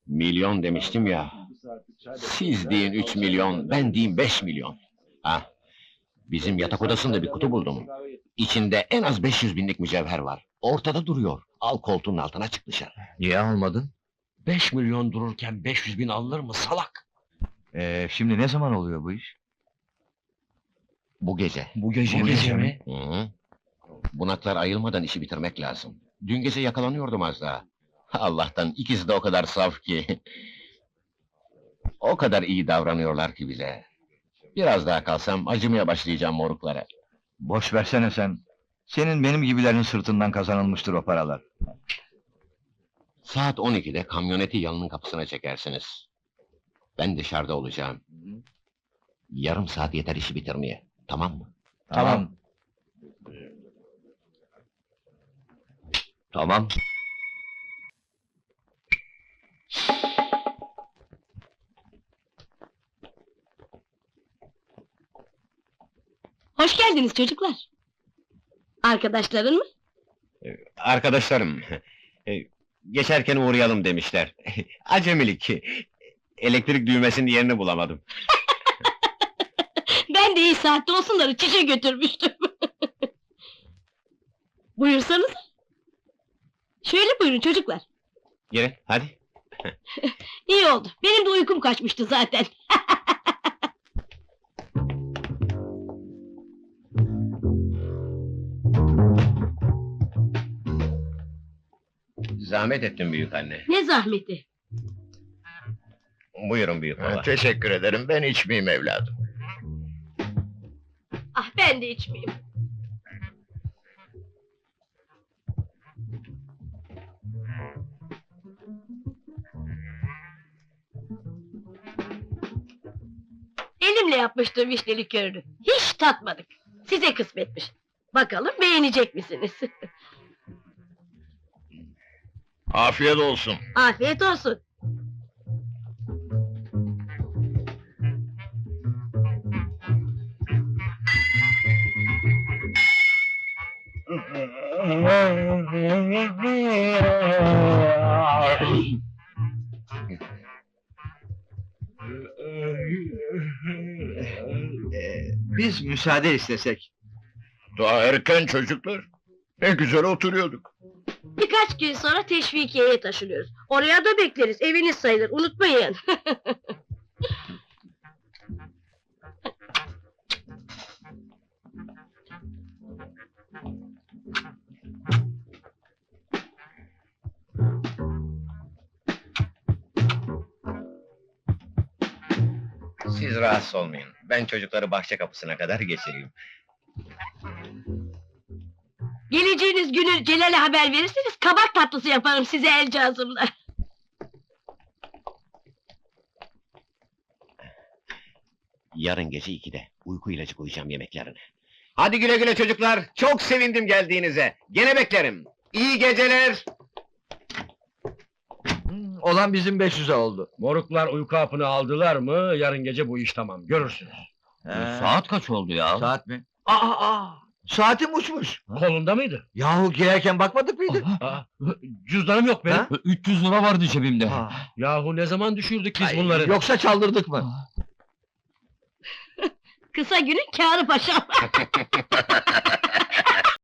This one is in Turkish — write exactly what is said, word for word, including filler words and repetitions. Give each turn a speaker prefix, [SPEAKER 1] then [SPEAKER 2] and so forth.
[SPEAKER 1] Milyon demiştim ya. Siz deyin üç milyon, ben diyeyim beş milyon. Ha, bizim yatak odasında bir kutu buldum. İçinde en az beş yüz binlik mücevher var. Ortada duruyor. Al koltuğun altına çık dışarı.
[SPEAKER 2] Niye almadın?
[SPEAKER 1] Beş milyon dururken beş yüz bin alınır mı salak?
[SPEAKER 2] Ee, şimdi ne zaman oluyor bu iş?
[SPEAKER 1] Bu gece.
[SPEAKER 2] Bu gece,
[SPEAKER 1] Bu
[SPEAKER 2] gece mi?
[SPEAKER 1] Hı hı. Bunaklar ayılmadan işi bitirmek lazım. Dün gece yakalanıyordum az daha. Allah'tan ikisi de o kadar saf ki. O kadar iyi davranıyorlar ki bize. Biraz daha kalsam acımaya başlayacağım moruklara.
[SPEAKER 2] Boş versene sen. Senin benim gibilerin sırtından kazanılmıştır o paralar.
[SPEAKER 1] Saat on ikide kamyoneti yanının kapısına çekersiniz. Ben dışarıda olacağım. Yarım saat yeter işi bitirmeye. Tamam mı?
[SPEAKER 2] Tamam.
[SPEAKER 1] Tamam.
[SPEAKER 3] Hoş geldiniz çocuklar. Arkadaşların mı?
[SPEAKER 1] Arkadaşlarım, e, geçerken uğrayalım demişler. Acemilik. Elektrik düğmesinin yerini bulamadım.
[SPEAKER 3] Ben de iyi saatte olsunları çişe götürmüştüm. Buyursanız. Şöyle buyurun çocuklar.
[SPEAKER 1] Girin, hadi.
[SPEAKER 3] İyi oldu. Benim de uykum kaçmıştı zaten.
[SPEAKER 1] Zahmet ettin büyük anne.
[SPEAKER 3] Ne zahmeti.
[SPEAKER 1] Buyurun büyük baba.
[SPEAKER 4] Teşekkür ederim, ben içmeyeyim evladım.
[SPEAKER 3] Ah ben de içmeyeyim. Elimle yapmıştım vişne likörünü. Hiç tatmadık. Size kısmetmiş. Bakalım beğenecek misiniz?
[SPEAKER 4] Afiyet olsun.
[SPEAKER 3] Afiyet olsun.
[SPEAKER 2] Ee, biz müsaade istesek.
[SPEAKER 4] Daha erken çocuklar. Ne güzel oturuyorduk.
[SPEAKER 3] Birkaç gün sonra teşvikiyeye taşınıyoruz. Oraya da bekleriz. Eviniz sayılır. Unutmayın.
[SPEAKER 1] Siz rahatsız olmayın. Ben çocukları bahçe kapısına kadar geçireyim.
[SPEAKER 3] Geleceğiniz günü Celal'e haber verirseniz kabak tatlısı yaparım size el cazımla.
[SPEAKER 1] Yarın gece ikide uyku ilacı koyacağım yemeklerine. Hadi güle güle çocuklar. Çok sevindim geldiğinize. Gene beklerim. İyi geceler.
[SPEAKER 2] Hmm, olan bizim beş yüze oldu.
[SPEAKER 5] Moruklar uyku hapını aldılar mı, yarın gece bu iş tamam, görürsünüz.
[SPEAKER 2] He.
[SPEAKER 5] Saat kaç oldu ya?
[SPEAKER 2] Saat mi? Aa, aa! Saatim uçmuş.
[SPEAKER 5] Kolunda mıydı?
[SPEAKER 2] Yahu girerken bakmadık mıydı?
[SPEAKER 5] Aa, cüzdanım yok benim.
[SPEAKER 2] Ha?
[SPEAKER 5] üç yüz lira vardı cebimde.
[SPEAKER 2] Aa,
[SPEAKER 5] Yahu ne zaman düşürdük biz
[SPEAKER 2] ay,
[SPEAKER 5] bunları?
[SPEAKER 2] Yoksa çaldırdık mı?
[SPEAKER 3] Kısa günün kârı paşam.